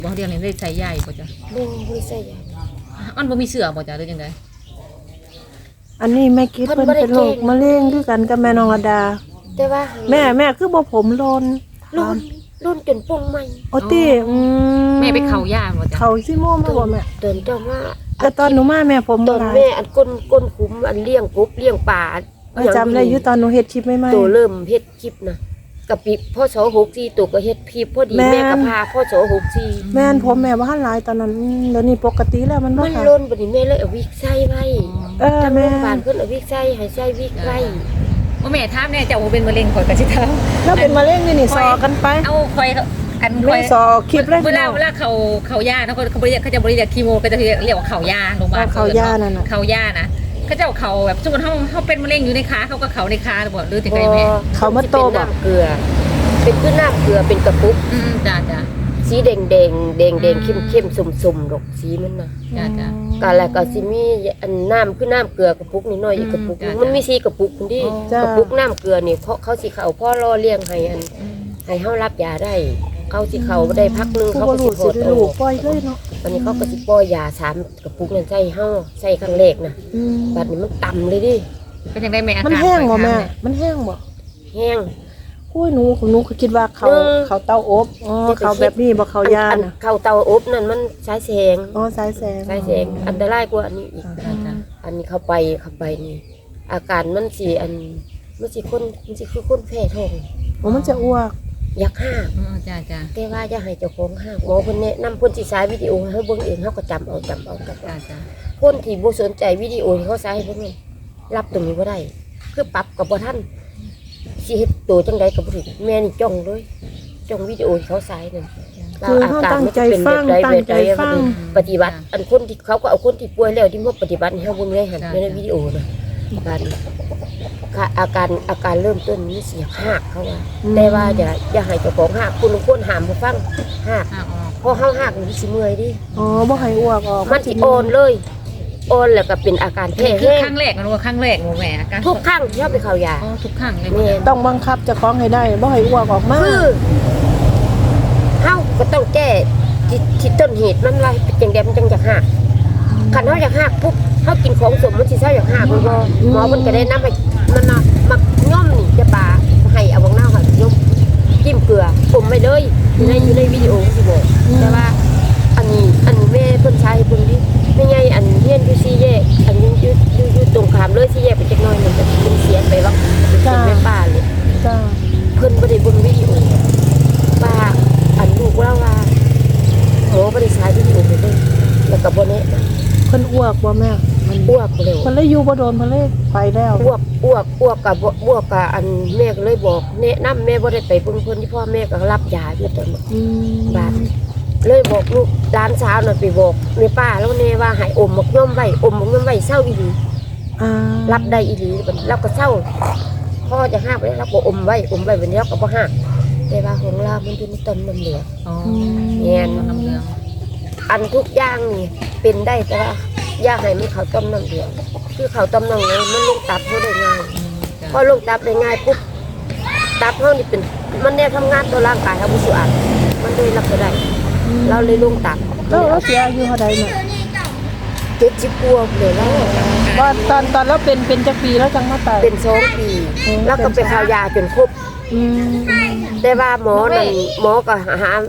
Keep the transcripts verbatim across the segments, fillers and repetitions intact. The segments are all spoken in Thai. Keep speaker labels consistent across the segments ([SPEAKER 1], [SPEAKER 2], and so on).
[SPEAKER 1] บ่เรียงนี่ได้ใส่ใหญ่บ่จ้ะ
[SPEAKER 2] บ่บ่ใส่ใหญ่
[SPEAKER 1] อันบ่มีเสื้อบ่จ้ะหรือจังได๋
[SPEAKER 3] อันนี้แม่คิดเพิ่นเป็นโรคมะเร็งคือกันกับแม่น้องระดา
[SPEAKER 2] แต่ว่า
[SPEAKER 3] แม่แม่คือบ่ผมโลน
[SPEAKER 2] โลนโลนจนป่งใหม่
[SPEAKER 3] โอติอืม
[SPEAKER 1] แม่ไปเข้ายาบ่จ้ะ
[SPEAKER 3] เข้าซิโมมาบ่แม่
[SPEAKER 2] เดินเจ้ามา
[SPEAKER 3] แต่ตอนหนูมาแม่ผม
[SPEAKER 2] ตอนแม่อันก้นก้นขุมอันเลี้ยงกบเลี้ยงปลา
[SPEAKER 3] จำได้อยู่ตอนหนูเฮ็ดคลิปใหม่
[SPEAKER 2] ๆตัวเริ่มเฮ็ดคลิปนะกะปิพ่อสอหกสี่ตัวก็เฮ็ดคลิปพอดีแม่ก็พาพ่อสอหกสี่
[SPEAKER 3] แม่นผมแม่บ่ทันหลายตอนนั้นเดี๋ยวนี้ปกติแล้วมันบ่
[SPEAKER 2] มัน
[SPEAKER 3] ค่ะ
[SPEAKER 2] ล้นบัดนี้แม่เลยเอาวิกใส่ไว้
[SPEAKER 3] เออแม่
[SPEAKER 2] บ้านเพิ่นเอาวิกใส่ให้ใส่วิกไว้
[SPEAKER 1] บ่แม่ถามแน่เจ้าบ่เป็นมะเร็งข่อยก็สิถาม
[SPEAKER 3] แล้วเป็นมะเร็งนี่นี่ซอกันไป
[SPEAKER 1] เอาข่อยอันข่อย
[SPEAKER 3] ซอคลิปเลย
[SPEAKER 1] เวลาเวลาเขาเขายาเนาะเขาบ่เรียกเขาจะบ่เรียกคีโมก็จะเรียกว่าเขายาโรงพยาบาล
[SPEAKER 3] เขายานั่นน่ะ
[SPEAKER 1] เขายานะเขาเจ้าเขาแบบสมมุติเฮาเฮาเป็นมะเร็งอยู่ในขาเขาก็เขาในขาบ่หรือจังได๋แม่
[SPEAKER 3] เขามาโตบ่
[SPEAKER 2] เกลือเป็นคือน้ำเกลือเป็นกระปุก
[SPEAKER 1] อืมจ้ะๆ
[SPEAKER 2] สีแดงแดงแดงแดงเข้มเข้มสุ่มๆดอกสีมันน่ะ
[SPEAKER 1] จ้ะ
[SPEAKER 2] ๆก็แล้วก็สิมีอันน้ำคือน้ำเกลือกระปุกนิดหน่อยอีกกระปุกมันมีสีกระปุกคนที่กระปุกน้ำเกลือนี่เพราะเขาสิเข้าพ่อรอเลี้ยงให้อันให้เฮารับยาได้เขาสิเข้าได้พักนึงเขาก็สิโหด
[SPEAKER 3] ลูกปล่อยเลยเนาะ
[SPEAKER 2] อันนี้เขาก็สิปล่อยยาสามกระปุกนั่นใส่เฮาใส่ครั้งแรกน่ะบัดนี้มันต่ำเลยดิ
[SPEAKER 1] เป็นจังได๋แม่อาการ
[SPEAKER 3] มันแห้งบ่แม่มันแห้งบ่
[SPEAKER 2] แห้ง
[SPEAKER 3] อุ้ยหนูหนูก็คิดว่าเขาเขาเตาอบอ๋อเขาแบบนี้บ่เขายาน่ะ
[SPEAKER 2] เขาเตาอบนั่นมันสายแสง
[SPEAKER 3] อ๋อสายแสง
[SPEAKER 2] สายแสงอันตรายกว่าอันนี้อีกอันนี้เข้าไปเข้าไปนี่อาการมันสิอันมันสิคนมันสิคือคนแพ้ท้อง
[SPEAKER 3] อ๋อมันจะอ้วก
[SPEAKER 2] อยากห้า
[SPEAKER 1] อ๋อจ้ะ
[SPEAKER 2] ๆแต่ว่าจะให้เจ้าของห้าหมอเพิ่นแนะนำเพิ่นสิฉายวิดีโอให้เฮาเบิ่งเองเฮาก็จำเอาจำเอากับจ้ะๆคนที่บ่สนใจวิดีโอที่เขาฉายให้เพิ่นรับตรงนี้บ่ได้คือปรับก็บ่ทันสิเฮ็ดตัวจังได๋ก็บ่ถึงแม่นี่จ้องเลยจ้องวิดีโอที่เขาฉายนั่น
[SPEAKER 3] คือเฮาตั้งใจฟังตั้งใจฟัง
[SPEAKER 2] ปฏิบัติอันคนที่เขาก็เอาคนที่ป่วยแล้วที่มาปฏิบัติให้เฮาเบิ่งเลยหั่นในวิดีโอน่ะการอาการอาการเริ่มต้นนี่สิหักเขาว่าแต่ว่าอย่าอย่าให้เจ้าของหักคุณคนห้ามบ่ฟังหักพอเฮาหักนี่สิเมื่อยดิ
[SPEAKER 3] อ๋อบ่ให้อ้วกออก
[SPEAKER 2] มันสิอ่อนเลยอ่อนแล้วก็เป็นอาการแพ้แห้ง
[SPEAKER 1] ครั้งแรกมันว่าครั้งแรกบ่แม่อาการ
[SPEAKER 2] ทุกครั้งที่เฮาไปเข้ายา
[SPEAKER 1] อ๋อทุกครั้งเลย
[SPEAKER 3] ต้องบังคับเจ้าของให้ได้บ่ให้อ้วกออกมา
[SPEAKER 2] คือเฮาก็ต้องแก้ที่ต้นเหตุมันว่าเป็นจังได๋มันจังอยากหักคันเฮาอยากหักปุ๊บเฮากินของสมมันสิเซาอยากหักบ่หมอเพิ่นก็ได้นำให้มันน่ะมักย่อมนี่จะปาให้เอาบักนาวให้ยกจิ้มเกลืออมไว้เลยอยู่ในอยู่ในวิดีโอสิบอกแต่ว่าอันนี้อันแม่เพิ่นใช้เพิ่นดิไม่ใหญ่อันเฮียนอยู่สี่แยกอันอยู่อยู่อยู่ตรงข้ามเลยสี่แยกไปจักหน่อยนึงก็เป็นเสียไปว่าเป็นแม่ป้าเลย
[SPEAKER 3] จ้า
[SPEAKER 2] เพิ่นบ่ได้เบิ่งวิดีโอป้าอันลูกว่าว่าหมอบ่ได้ใช้วิดีโอไปเลยแล้วก็บ่แนะ
[SPEAKER 3] เพิ่นอ้วกบ่แม่
[SPEAKER 2] อ้วกเร็ว
[SPEAKER 3] เพิ่นเลยอยู่บ่โดนเพิ่นเลยไปแล้ว
[SPEAKER 2] อ้วกอ้วกอ้วกกับอ้วกกับอันแม่ก็เลยบอกแนะนำแม่บ่ได้ไปเบิ่งเพิ่นที่พ่อแม่ก็รับยาอยู่ตอนนั้นบาดเลยบอกลูกหลานสาวน่ะไปบอกแม่ป้าแล้วแน่ว่าให้อมหมกย่อมไว้อมหมกย่อมไว้เศร้าอีหลี
[SPEAKER 3] อ่า
[SPEAKER 2] รับได้อีหลีแล้วก็เศร้าพ่อจะห้ามไว้แล้วก็อมไว้อมไว้บัดนี้ก็บ่ห้ามแต่ว่าของเรามันอยู่ในต้นน้ำเหลือง
[SPEAKER 1] อ๋อ
[SPEAKER 2] แม่น
[SPEAKER 1] น้ำเหลือง
[SPEAKER 2] อันทุกอย่างนี่เป็นได้แต่ว่าอย่าให้มันเข้าต้มน้ำเหลืองคือเข้าต้มน้ำเหลืองมันลงตับเฮาได้ง่ายพอลงตับได้ง่ายปุ๊บตับเฮานี่เป็นมันเนี่ยทำงานตัวร่างกายเฮาบ่สะอาดมันเลยรับบ่ได้เราเลยลงตับ
[SPEAKER 3] แล้วเราเสียอายุเท่าใดแม่
[SPEAKER 2] เจ็ดสิบกว่าเลยแล้ว
[SPEAKER 3] ว่าตอนตอนเราเป็นเป็นจักปีแล้วจังมาตาย
[SPEAKER 2] เป็นสองปีแล้วก็ไปเข้ายาจนครบแต่ว่าหมอนั่นหมอก็หา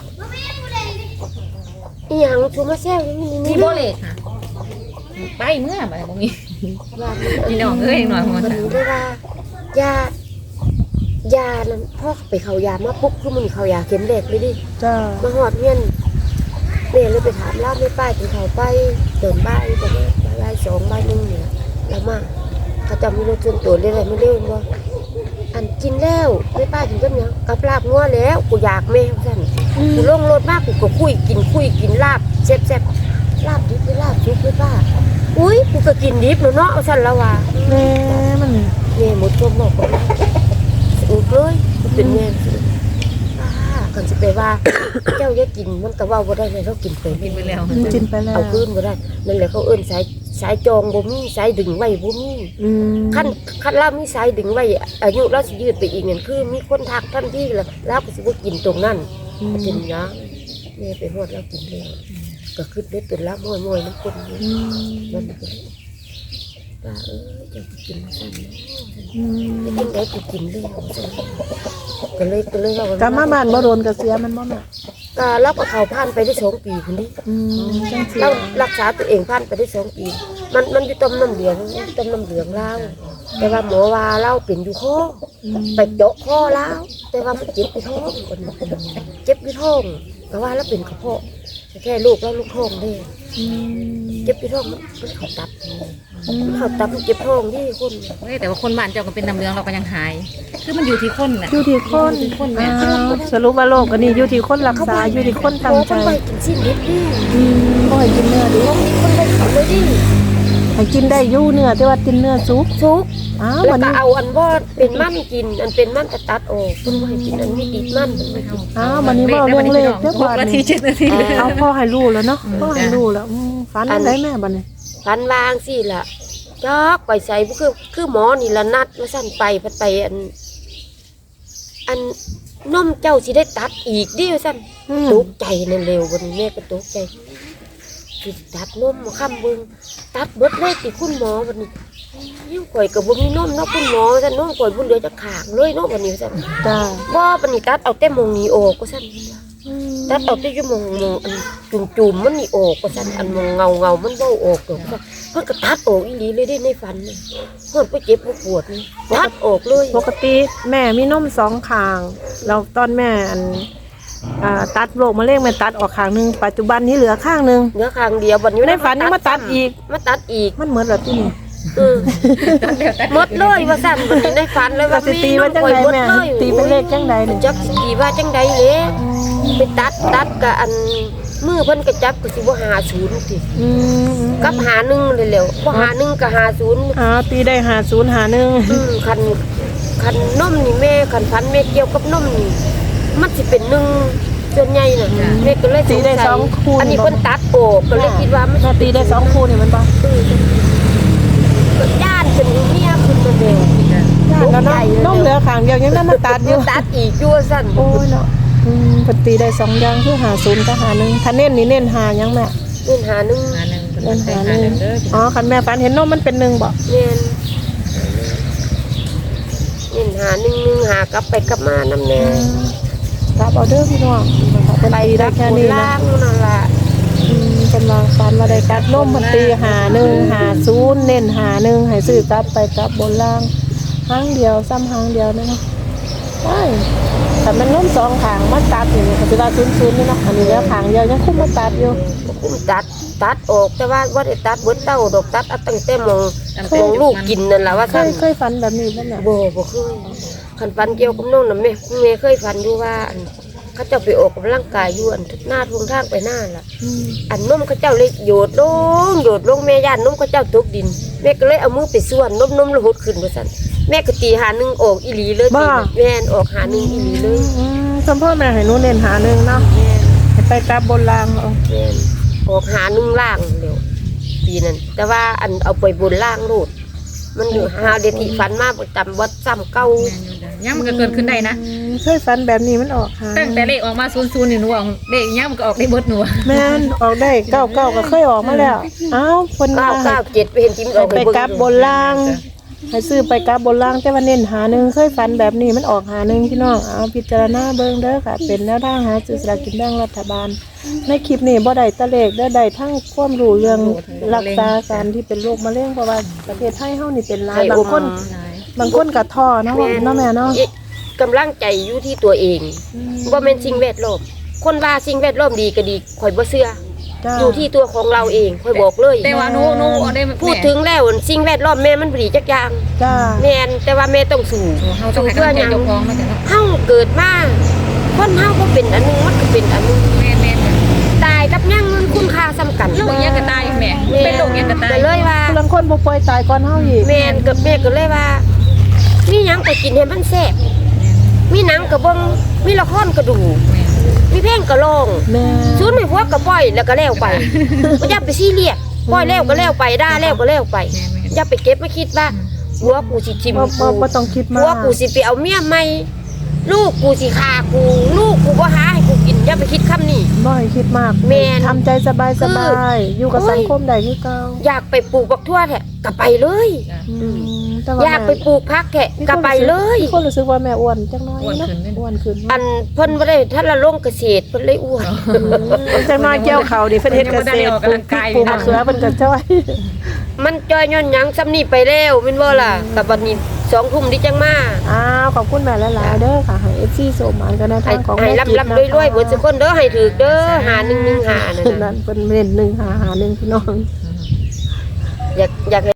[SPEAKER 2] อีหยังชูมาแซ่บนี่
[SPEAKER 1] มีบ่เลยค่ะไปเมื่อบ่บ่มีพี่น้องเอ้ยหน่อยหมอถาม
[SPEAKER 2] ได้ว่ายายานั้นพ่อไปเข้ายามาปุ๊บคือมันเข้ายาเข็มแรกเลยดิ
[SPEAKER 3] จ้า
[SPEAKER 2] มาฮอดเฮียนแม่เลยไปถามเล่าไม่ป้ายถึงเขาไปเดินบ้านประมาณบ่ายสองบ่ายหนึ่งเนี่ยแล้วมาเขาจะมีรถชนตัวได้ไรไม่เล่นว่าอันกินแล้วไม่ป้ายถึงก็เนี่ยกับลาบงัวแล้วกูอยากแม่สั่นกูลงรถมากกูก็คุยกินคุยกินลาบแซ่บๆลาบดิบลาบชุบไม่ป้าอุ้ยกูก็กินดิบเนาะเอาสั่นแล้วว่ะ
[SPEAKER 3] แม่มัน
[SPEAKER 2] แม่หมดตัวหมดเลยอุ้ยเลยเป็นแม่กันสิไปว่าเจ้าอย่ากินมันก็เว้าบ่ได้เลยเรากินไป
[SPEAKER 1] กินไปแล้ว
[SPEAKER 3] กินไปแล้ว
[SPEAKER 2] เอาคืนบ่ได้นั่นแหละเขาเอิ้นสายสายจองบ่มีสายดึงไว้บ่มี
[SPEAKER 3] อืม
[SPEAKER 2] คันคันเรามีสายดึงไว้อายุเราสิยืดไปอีกนั่นคือมีคนทักทันทีแล้วเราก็สิบ่กินตรงนั้นเป็นหยังแม่ไปฮอดแล้วกินแล้วก็ขึ้นได้ตื่นละม้อยๆน้ำคนนี่
[SPEAKER 3] อืม
[SPEAKER 2] มันก็เลยว่าเออจะไปกินสั่นเนาะ
[SPEAKER 3] อืม
[SPEAKER 2] ไม่ต้องได้ไปกินเลยสั่นก็เลยก็เลยว่าก
[SPEAKER 3] ลับมาบ้านบ่โดนกระเสียมันบ่แม่
[SPEAKER 2] ก็รับกับเขาผ่านไปได้สองปีคนนี้
[SPEAKER 3] อืมจังซี่
[SPEAKER 2] เรารักษาตัวเองผ่านไปได้สองปีมันมันอยู่ต้มน้ำเหลืองต้มน้ำเหลืองแล้วแต่ว่าหมอว่าเราเป็นอยู่ข้อ
[SPEAKER 3] อืม
[SPEAKER 2] ไปเจาะคอแล้ว แต่ว่ามันเจ็บที่ท้องคนนี้เจ็บที่ท้องก็ว่าแล้วเป็นกระเพาะแค่ลูกแล้วลูกท้องได้
[SPEAKER 3] อืม
[SPEAKER 2] เจ็บที่ท้องมันมันเขาตับมันเขาตับมันเจ็บท้องที่คน
[SPEAKER 1] เฮ้ยแต่ว่าคนบ้านเจ้าก็เป็นน้ำเหลืองเราก็ยังหาย คือมันอยู่ที่คนน่ะ
[SPEAKER 3] อยู่ที่คน
[SPEAKER 1] อยู่ที่คนแม่
[SPEAKER 3] อ้าวสรุปว่าโรคอันนี้อยู่ที่คนรักษาอยู่ที่คนตั้งใจ
[SPEAKER 2] เขาไปกินสิ้นนิดดิ
[SPEAKER 3] อืมบ่ให้กินเนื้อดิ
[SPEAKER 2] คนไปเขาเลยดิ
[SPEAKER 3] ให้กินได้อยู่เนื้อแต่ว่ากินเนื้อสุก
[SPEAKER 2] ซุก
[SPEAKER 3] อ้าว
[SPEAKER 2] แล้ว
[SPEAKER 3] วัน
[SPEAKER 2] ก็
[SPEAKER 3] นี้
[SPEAKER 2] เอาอันว่าเป็นมั่นกิน อันเป็นมั่นกระตัดออกคุณว่าให้กินอันไม่ติดมั่นมันไม่กิน
[SPEAKER 3] อ้าววันนี้บ่เอาเรื่องเลขเด้อ
[SPEAKER 1] ห
[SPEAKER 3] บ่
[SPEAKER 1] กนาทีเจ็ดนาทีเลย
[SPEAKER 3] เอาพ่อให้รู้แล้วเนาะ
[SPEAKER 1] อืม
[SPEAKER 3] พ่อให้รู้แล้วอืมฝันได้แม่บัดนี้
[SPEAKER 2] ฟันวางสิล่ะจอกไปใส่บุคือคือหมอนี่ละนัดมาสั่นไปพัดไปอัน อันนมเจ้าสิได้ตัดอีกดิว่าสั่น
[SPEAKER 3] อืม
[SPEAKER 2] ตกใจนั่นเร็ววันนี้แม่ก็ตกใจสิตัดนมมาค้ำเบิ่งตัดเบิดเลยติคุณหมอวันนี้ยิ่งข่อยกับบ่มีนมเนาะคุณหมอสั่นนมข่อยบุญเหลือจะขางเลยเนาะวันนี้สั่น
[SPEAKER 3] จ้า
[SPEAKER 2] บ่วันนี้ตัดเอาแต่มงนี้ออกก็สั่น
[SPEAKER 3] อืม
[SPEAKER 2] ตัดเอาแต่อยู่มงมงอันจุ่มๆมันนี่ออกก็สั่นอันมงเงาเงาๆมันบ่ออกดอกว่าเพิ่นก็ตัดออกอีหลีเลยเด้ในฝันน่ะเพิ่นบ่เจ็บบ่ปวดนี่ตัดออกเลย
[SPEAKER 3] ปกติแม่มีนมสองข้างแล้วตอนแม่อันอ่าตัดโรคมะเร็งแม่ตัดออกข้างหนึงปัจจุบันนี้เหลือข้างหนึง
[SPEAKER 2] เนื้อข้างเดียวบัดนี้
[SPEAKER 3] ในฝันยังมาตัดอีก
[SPEAKER 2] มาตัดอีก
[SPEAKER 3] มันเหมือนแบบที่นี่
[SPEAKER 2] เออหมดเลยว่าสั่นบัดนี้ในฝันเลย
[SPEAKER 3] ก็
[SPEAKER 2] ว่า
[SPEAKER 3] สิตีว่าจังไดแม่ตีเป็นเลขจังใดนี่
[SPEAKER 2] จักสิตีว่าจังใดเด้ไปตัดตัดกับอันมือเพิ่นก็จับก็สิบ่หาศูนย์ติ
[SPEAKER 3] อืม
[SPEAKER 2] กับหาหนึ่งเลยแหล้วบ่หาหนึ่งกับหาศูนย์
[SPEAKER 3] อ้าวตีได้หาศูนย์หาหนึ่ง
[SPEAKER 2] อืมคันคันนมนี่แม่คันฟันแม่เกี่ยวกับนมนี่มันสิเป็นหนึ่งส่วนใหญ่น่ะแม่ก็เลย
[SPEAKER 3] ตีได้สองคูณ
[SPEAKER 2] อันนี้เพิ่นตัดออกก็เลยคิดว่ามัน
[SPEAKER 3] แม่ตีได้สองคูณนี่มันบ่
[SPEAKER 2] เออก็ย่านเป็นเมียขึ้นมาเด้
[SPEAKER 3] แล้วเนาะนมเหลือข้างเดียวยังได้มาตัดอยู่
[SPEAKER 2] ตัดอีกอยู่ว่าซั่น
[SPEAKER 3] โอ้ยเนาะอืมเพิ่นตีได้สองอย่างคือหาศูนย์กับหาหนึ่งถ้าเน้นนี่เน้นหายังแม่
[SPEAKER 2] เงินหาหนึ่ง
[SPEAKER 1] หาหนึ่ง
[SPEAKER 3] เน้นหา
[SPEAKER 1] หา
[SPEAKER 3] ห
[SPEAKER 1] ห
[SPEAKER 3] นึ่
[SPEAKER 1] นึ่
[SPEAKER 3] ง
[SPEAKER 1] งเด้อ
[SPEAKER 3] อ๋อคันแม่ฝันเห็นนมมันเป็นหนึ่งบ่
[SPEAKER 2] เงินเงินหาหนึ่งหนึ่งหากลับไปกลับมานำแน่
[SPEAKER 3] รับออเดอร์พี่น้องเพิ่น
[SPEAKER 2] ไป
[SPEAKER 3] ตีได้
[SPEAKER 2] รับ
[SPEAKER 3] แค่
[SPEAKER 2] คน
[SPEAKER 3] นี้นะ
[SPEAKER 2] ล่างนั่นล่ะ
[SPEAKER 3] อืมเพิ่นวางฝันว่าได้กัดนมมันตีหาหนึ่งหาศูนย์เน้นหาหนึ่งให้ซื้อกลับไปกลับบนล่างหางเดียวซ้ำหางเดียวนะเนาะใช่แต่มันนมสองขางมันตัดอยู่นี่ก็สิว่าศูนย์ศูนย์นี่เนาะอันนี้แล้วขางเดียวยังคุมมาตัดอยู่
[SPEAKER 2] คุ้มตัดตัดออกแต่ว่าว่าได้ตัดเบิดเต้าดอกตัดเอาตั้งแต่มองมองลูกกินนั่นล่ะว่า
[SPEAKER 3] เค
[SPEAKER 2] ซั่น
[SPEAKER 3] ยเคยฝันแบบนี้บ่แม่
[SPEAKER 2] บ่บ่เคยคันฟันเกี่ยวกับน้องน่ะแม่แม่เคยฝันอยู่ว่าอันเขาเจ้าไปออกกำลังกายอยู่อันทุกหน้าทุกทางไปหน้าล่ะ
[SPEAKER 3] อืม
[SPEAKER 2] อันนมเขาเจ้าเลยโยดลงโยดลงแม่ย่านนมเขาเจ้าตกดินแม่ก็เลยเอามือไปส่วนนมนมแล้วหดขึ้นว่าซั่นแม่ก็ตีหาหนึ่งออกอีหลีเลยตีแม่นออกหาหนึ่งอีหลีเลย
[SPEAKER 3] อืมสมพ่อแม่ให้หนูเน้นหาหนึ่งเนาะ
[SPEAKER 2] แม่น
[SPEAKER 3] ให้ไปกลับบนล่างเอา
[SPEAKER 2] แม่นออกหาหนึ่งล่างเร็วปีนั้นแต่ว่าอันเอาไปบนล่างโลดมันอยู่หาเดทิฟันมาประจำวัดซ้ำเก่า
[SPEAKER 1] ยังมันก็เกิดขึ้นได้นะ
[SPEAKER 3] อืมเคยฝันแบบนี้มันออกหา
[SPEAKER 1] ตั้งแต่เลขออกมาศูนย์ศูนย์นี่หนูเอาเลขยังมันก็ออกได้เบิดหนู
[SPEAKER 3] แม่นออกได้เก้าเก้าก็เคยออกมาแล้วเอ้าเพิ่น
[SPEAKER 2] เก้า
[SPEAKER 3] ว่า
[SPEAKER 2] เก้าเจ็ดไปเห็นจิ้ม
[SPEAKER 3] ให้ไปกลับบนล่าง ให้ซื้อไปกลับบนล่างแต่ว่าเน้นหาหนึ่งเคยฝันแบบนี้มันออกหาหนึ่งพี่น้องเอาพิจารณาเบิ่งเด้อค่ะ เป็นแนวทางหาซื้อสลากกินแบ่งรัฐบาล ในคลิปนี้บ่ได้ตะเลขได้ได้ทั้งความรู้เรื่องรักษาการที่เป็นโรคมะเร็งเพราะว่าประเทศไทยเฮานี่เป็นหลายบางคนบางคนก็ท้อเนาะเนาะแม่เนาะ
[SPEAKER 2] กำลังใจอยู่ที่ตัวเองว่าเป็นสิ่งแวดล้อมคนว่าสิ่งแวดล้อมดีก็ดีข่อยบ่เชื่อ
[SPEAKER 3] จ้า
[SPEAKER 2] อยู่ที่ตัวของเราเองข่อยบอกเลย
[SPEAKER 1] แต่ว่าหนูหนูเอาได้
[SPEAKER 2] พูดถึงแล้วสิ่งแวดล้อมแม่มันบ่ดีจักอย่าง
[SPEAKER 3] จ้า
[SPEAKER 2] แม่นแต่ว่าแม่ต้องสู้
[SPEAKER 1] เฮาต้องให้กำลังใจเจ้าของมาจ้ะ
[SPEAKER 2] เฮาเกิดมาคนเฮาก็เป็นอันหนึงมันก็เป็นอันหนึง
[SPEAKER 1] แม่แม่
[SPEAKER 2] ตายกับยังมันคุณค่าซ้ำกัน
[SPEAKER 1] โรคยังก็ตายแม่เป็นโรคยังก็ตาย
[SPEAKER 2] ก็เลยว่า
[SPEAKER 3] บางคนบ่ป่วยตายก่อนเฮาอีก
[SPEAKER 2] แม่นกับแม่ก็เลยว่า มีหยังก็กินให้มันแซ่บมีหนังก็เบิ่งมีละครก็ดู มีเพลงก็ร้อง
[SPEAKER 3] แม่
[SPEAKER 2] ศูนย์ไม่พวกก็ปล่อยแล้วก็แล้วไปบ่อย่าไปซีเรียสปล่อยแล้วก็แล้วไปด่าแล้วก็แล้วไปอย่าไปเก็บมาคิดว่าหัวกูสิทิ่ม
[SPEAKER 3] บ่บ่
[SPEAKER 2] กู
[SPEAKER 3] บ่ต้องคิดมา
[SPEAKER 2] หัว
[SPEAKER 3] ก
[SPEAKER 2] กูสิไปเอาเมียใหม่ลูกกูสิฆ่ากูลูกกูบ่หาให้กูกินอย่าไปคิดคำนี้
[SPEAKER 3] บ่ให้คิดมาก
[SPEAKER 2] แม่น
[SPEAKER 3] ทำใจสบายสบายอยู่กับ
[SPEAKER 2] โอ้ย
[SPEAKER 3] สังคมได้คือเก่า
[SPEAKER 2] อยากไปปลูกบักทั่วแท้ก็ไปเลย
[SPEAKER 3] อืมแต่ว่
[SPEAKER 2] อยากไปปลูกพักแท้ก็ไปเลย
[SPEAKER 3] มีคนรู้สึกว่าแม่อ้วนจังน้อย
[SPEAKER 1] อ้วน
[SPEAKER 3] เนาะ
[SPEAKER 1] ขึ้นเลย
[SPEAKER 3] อ้วนขึ้น
[SPEAKER 2] อันเพิ่นบ่ได้ท่านละลงเกษตรเพิ่นเลยอ้วน
[SPEAKER 3] จังน้อยเกี่ยวเขาดิเพิ่นเฮ็ดเกษตรปลูกพริกปลูกมะเขือเพิ่นก็จ้อย
[SPEAKER 2] มันจอยย้อนหยังซ้ำนี่ไปแล้วแม่นบ่ล่ะกับบัดนี้สองทุ่มดิจังมา
[SPEAKER 3] อ้าวขอบคุณแม่หลายๆเด้อค่ะให้ เอฟ ซี โสมานกันใน
[SPEAKER 2] ให้
[SPEAKER 3] ทางของ
[SPEAKER 2] ให้
[SPEAKER 3] แม่
[SPEAKER 2] รับ
[SPEAKER 3] จิ๊บ
[SPEAKER 2] รับ
[SPEAKER 3] นะ
[SPEAKER 2] รวยๆเบิดทุกคนเด้อให้ถูกเด้อหาหนึ่งหนึ่งหานั่น
[SPEAKER 3] นั่
[SPEAKER 2] น่ะ
[SPEAKER 3] นเป็นเน้นหนึ่งหาหาหนึ่งพี่น้อง
[SPEAKER 2] อยากอยาก